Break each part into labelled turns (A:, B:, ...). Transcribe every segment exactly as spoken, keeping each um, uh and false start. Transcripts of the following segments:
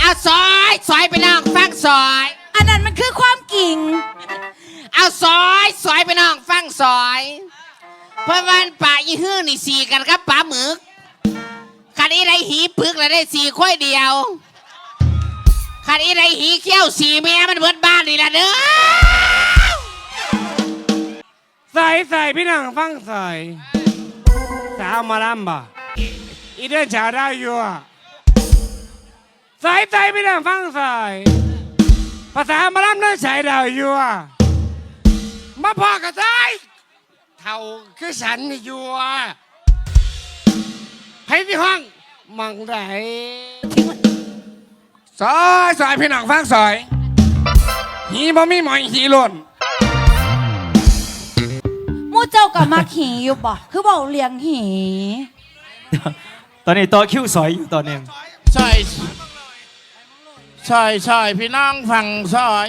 A: เอาซอยซอยไปน้องฟังซอย
B: อันนั้นมันคือความกิ่ง
A: เอาซอยซอยไปน้องฟังซอยเพราะวันป่ายี่หื้อนี่สี่กันครับป่าหมึกคันอีไรหีปึกแล้วได้สี่ค่อยเดียวคันอีไรหีเขี้ยวสี่แม่มันเบิดบ้านนี่ละเด้อ
C: ใส่ใส่พี่น้องฟังใส่สาวมาลำบ่อีเดินชาวได้อยู่ใส่ใส่พี่น้องฟังใส่ภาษามาลำเดินชายดาวอยู่มาพอกระใส่เท่าคือฉันอยู่ให้ที่ห้องมังได้ซอยซอยพี่น้องฟังซอยหีบ่มีหมอยหีหล่น
B: มู่เจ้ากับมาขี่อยู่บ่คือบอกเลี้ยงหี
D: ตอนนี้ต่อคิวสอยอยู่ตอนนี้
A: ซอยซอยซอยพี่น้องฟังซอย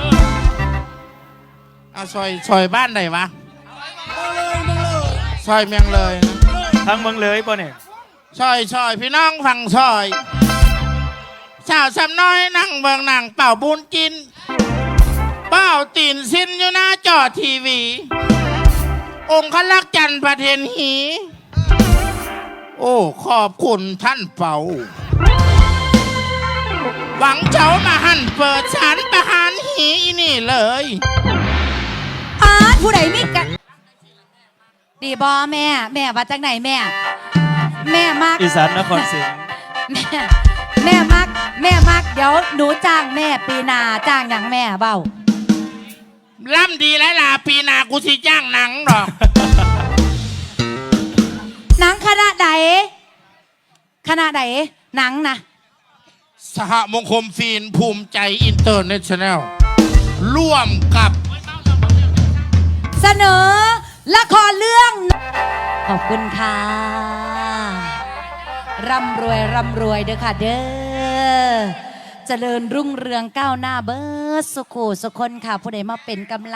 A: เอาซอยซอยบ้านไหนวะซอยเมียงเลย
D: ทางเมืองเลยป่ะเนี่ย
A: ซอยซอยพี่น้องฟังซอยสาวสำน้อยนั่งเบิงหนังเป่าบุญกินเป้าตีนสิ้นอยู่หน้าจอทีวี องค์ขลักจันทร์ประเทนหีโอ้ขอบคุณท่านเป่าหวังเจ้ามาหันเปิดฉันประหารหีนี่เลย
B: อาผู้ใดมีกันดีบอแม่แม่มาจากไหนแม่แม่มัก
D: อีสานนครศรี
B: แม่แม่มักแม่มักเดี๋ยวหนูจ้างแม่ปีนาจ้างอย่างแม่เบ้า
A: ล่ำดีแล้วล่ะปีนากูสิจ้างหนังหรอก
B: หนังคณะใดคณะใดหนังนะ
A: สหมงคลฟิล์มภูมิใจอินเตอร์เนชั่นแนลร่วมกับ
B: เสนอละครเรื่องขอบคุณค่ะร่ำรวยร่ำรวยเด้อค่ะเด้อเจริญรุ่งเรืองก้าวหน้าเบิร์ดสุขุสุคนค่ะผู้ใดมาเป็นกำลัง